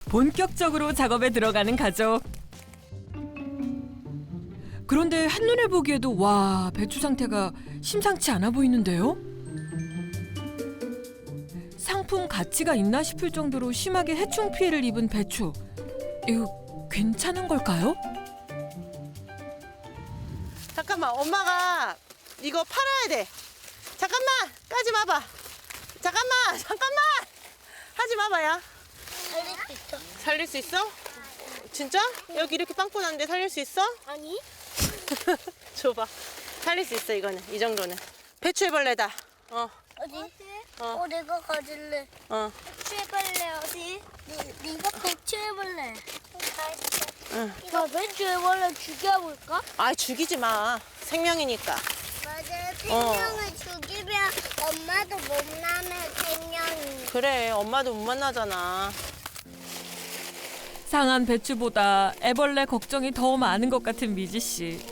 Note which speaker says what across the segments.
Speaker 1: 본격적으로 작업에 들어가는 가족. 그런데 한눈에 보기에도 와, 배추 상태가 심상치 않아 보이는데요? 상품 가치가 있나 싶을 정도로 심하게 해충 피해를 입은 배추. 이거 괜찮은 걸까요?
Speaker 2: 잠깐만, 엄마가 이거 팔아야 돼. 잠깐만, 까지 마봐. 잠깐만. 하지 마봐야.
Speaker 3: 살릴 수 있어?
Speaker 2: 살릴 수 있어? 진짜? 여기 이렇게 빵꾸 났는데 살릴 수 있어?
Speaker 3: 아니?
Speaker 2: 줘봐. 살릴 수 있어, 이거는. 이 정도는. 배추애벌레다.
Speaker 3: 어디? 내가 가질래. 배추해볼래 어디? 네가 배추해볼래.
Speaker 2: 응.
Speaker 3: 나 배추해볼래 죽여볼까?
Speaker 2: 아, 죽이지 마. 생명이니까.
Speaker 3: 맞아. 생명을 죽이면 엄마도 못 나면 생명이.
Speaker 2: 그래, 엄마도 못 만나잖아.
Speaker 1: 상한 배추보다 애벌레 걱정이 더 많은 것 같은 미지 씨.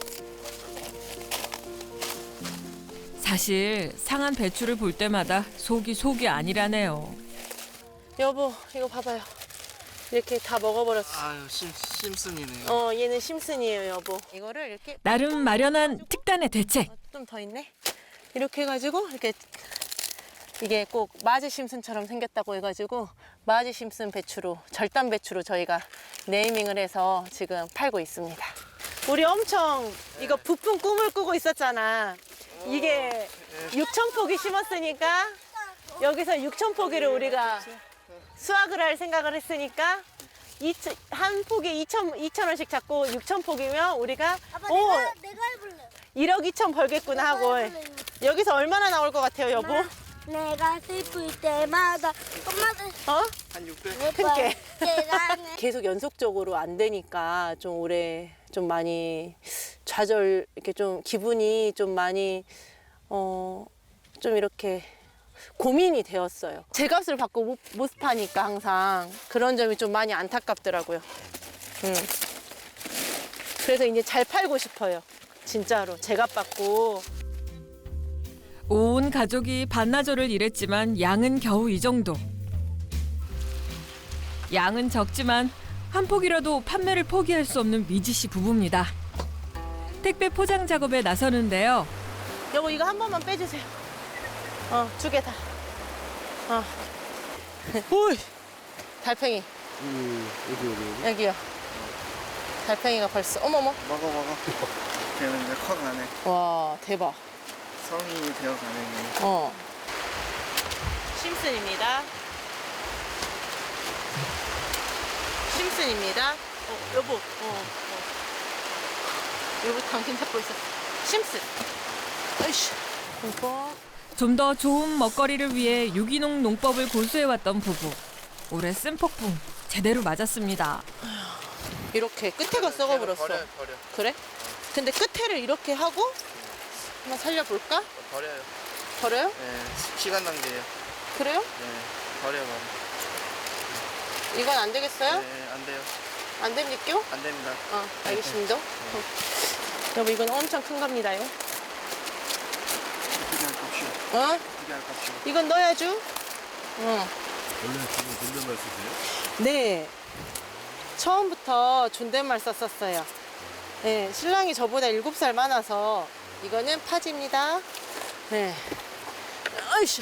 Speaker 1: 사실 상한 배추를 볼 때마다 속이 아니라네요.
Speaker 2: 여보, 이거 봐봐요. 이렇게 다 먹어버렸어.
Speaker 4: 아유, 심슨이네요.
Speaker 2: 얘는 심슨이에요, 여보. 이거를 이렇게
Speaker 1: 나름 마련한 특단의 대책.
Speaker 2: 좀 더 있네. 이렇게 해가지고 이게 꼭 마지 심슨처럼 생겼다고 해가지고 마지 심슨 배추로, 절단 배추로 저희가 네이밍을 해서 지금 팔고 있습니다. 우리 엄청 이거 부푼 꿈을 꾸고 있었잖아. 이게 6,000포기 심었으니까 여기서 6,000포기를 우리가 수확을 할 생각을 했으니까 한 포기 2,000원씩 잡고 6,000포기면 우리가
Speaker 3: 아빠 내가 해볼래.
Speaker 2: 1억 2천 벌겠구나 하고. 여기서 얼마나 나올 것 같아요, 여보?
Speaker 3: 내가 슬플 때마다 엄마도
Speaker 4: 한 600?
Speaker 2: 큰게.
Speaker 3: 대단해.
Speaker 2: 계속 연속적으로 안 되니까 좀 올해 좀 많이 좌절, 이렇게 좀 기분이 좀 많이 좀 이렇게 고민이 되었어요. 제값을 받고 못 파니까 항상 그런 점이 좀 많이 안타깝더라고요. 그래서 이제 잘 팔고 싶어요. 진짜로 제값 받고.
Speaker 1: 온 가족이 반나절을 일했지만 양은 겨우 이 정도. 양은 적지만 한 폭이라도 판매를 포기할 수 없는 미지 씨 부부입니다. 택배 포장 작업에 나서는데요.
Speaker 2: 여보, 이거 한 번만 빼주세요. 2개 다. 오이, 달팽이.
Speaker 4: 어디?
Speaker 2: 여기요. 달팽이가 벌써. 어머머.
Speaker 4: 먹어. 걔는 이제 커가네.
Speaker 2: 와, 대박.
Speaker 4: 성인이 되어가네.
Speaker 2: 심슨입니다. 심슨입니다. 여보. 여보 당신 잡고 있었어. 심슨. 아이씨. 이거.
Speaker 1: 좀 더 좋은 먹거리를 위해 유기농 농법을 고수해왔던 부부. 올해 쓴 폭풍 제대로 맞았습니다.
Speaker 2: 이렇게 끝에가 썩어버렸어.
Speaker 4: 버려.
Speaker 2: 그래? 근데 끝에를 이렇게 하고 한번 살려볼까?
Speaker 4: 버려요.
Speaker 2: 버려요?
Speaker 4: 네, 시간 낭비예요.
Speaker 2: 그래요?
Speaker 4: 네, 버려.
Speaker 2: 이건 안 되겠어요?
Speaker 4: 네, 안 돼요.
Speaker 2: 안 됩니까?
Speaker 4: 안 됩니다.
Speaker 2: 알겠습니다. 여보, 이건 엄청 큰 겁니다요.
Speaker 4: 어떻게 할 값이요? 어떻게 할 값이요?
Speaker 2: 이건 넣어야죠.
Speaker 5: 원래 지금 존댓말 쓰세요?
Speaker 2: 네. 처음부터 존댓말 썼었어요. 네, 신랑이 저보다 7살 많아서 이거는 파지입니다. 네. 아이씨.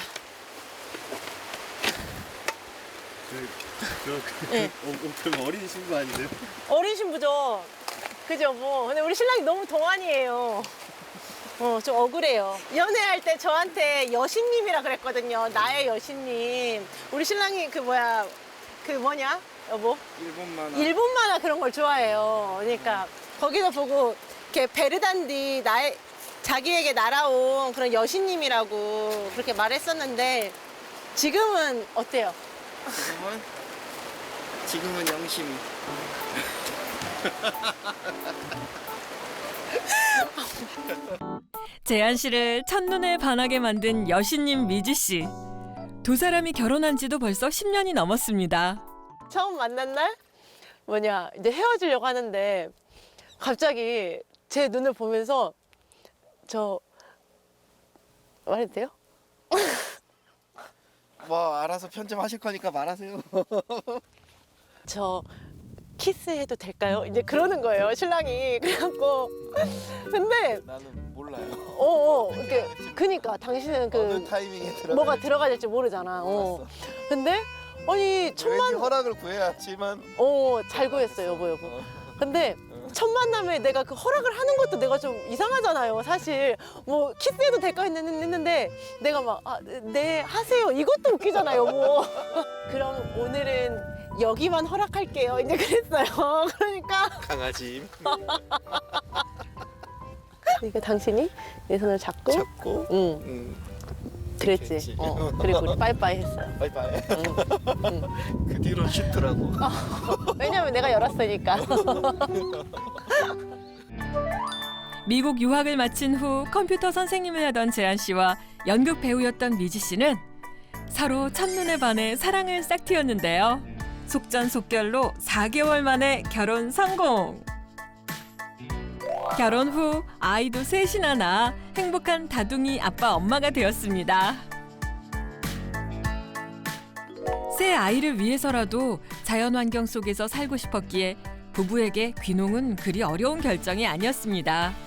Speaker 2: 네.
Speaker 5: 엄청 어린 신부 아니세요?
Speaker 2: 어린 신부죠. 그죠, 뭐. 근데 우리 신랑이 너무 동안이에요. 좀 억울해요. 연애할 때 저한테 여신님이라 그랬거든요. 나의 여신님. 우리 신랑이 그 뭐냐, 여보? 일본 만화 그런 걸 좋아해요. 그러니까 거기서 보고 이렇게 베르단디 자기에게 날아온 그런 여신님이라고 그렇게 말했었는데 지금은 어때요?
Speaker 4: 지금은 영심이.
Speaker 1: 재한 씨를 첫눈에 반하게 만든 여신님 미지 씨. 두 사람이 결혼한 지도 벌써 10년이 넘었습니다.
Speaker 2: 처음 만난 날 이제 헤어지려고 하는데 갑자기 제 눈을 보면서 말해도 돼요?
Speaker 4: 뭐 알아서 편집하실 거니까 말하세요.
Speaker 2: 저 키스해도 될까요? 이제 그러는 거예요, 신랑이. 그래갖고 근데
Speaker 5: 나는 몰라요.
Speaker 2: 이렇게 그니까 당신은
Speaker 5: 어느
Speaker 2: 그
Speaker 5: 타이밍에 들어가.
Speaker 2: 뭐가 들어가야 될지 모르잖아.
Speaker 5: 몰랐어.
Speaker 2: 근데 아니 첫
Speaker 5: 왠지
Speaker 2: 만
Speaker 5: 허락을 구해야지만.
Speaker 2: 잘 구했어요, 여보.
Speaker 5: 어.
Speaker 2: 근데 첫 만남에 내가 그 허락을 하는 것도 내가 좀 이상하잖아요, 사실. 뭐 키스해도 될까 했는데 내가 막 네 하세요 이것도 웃기잖아요, 여보. 그럼 오늘은 여기만 허락할게요, 이제 그랬어요. 그러니까
Speaker 5: 강아지
Speaker 2: 그러니까 당신이 내 손을 잡고
Speaker 5: 잡고.
Speaker 2: 응 그랬지.
Speaker 5: 그랬지.
Speaker 2: 그리고 우리 빠이빠이 했어요.
Speaker 5: 바이바이.
Speaker 2: 응.
Speaker 5: 그 뒤로 쉽더라고.
Speaker 2: 왜냐면 내가 열었으니까.
Speaker 1: 미국 유학을 마친 후 컴퓨터 선생님을 하던 재한 씨와 연극 배우였던 미지 씨는 서로 첫눈에 반해 사랑을 싹트였는데요. 속전속결로 4개월 만에 결혼 성공. 결혼 후 아이도 셋이나 낳아 행복한 다둥이 아빠 엄마가 되었습니다. 새 아이를 위해서라도 자연환경 속에서 살고 싶었기에 부부에게 귀농은 그리 어려운 결정이 아니었습니다.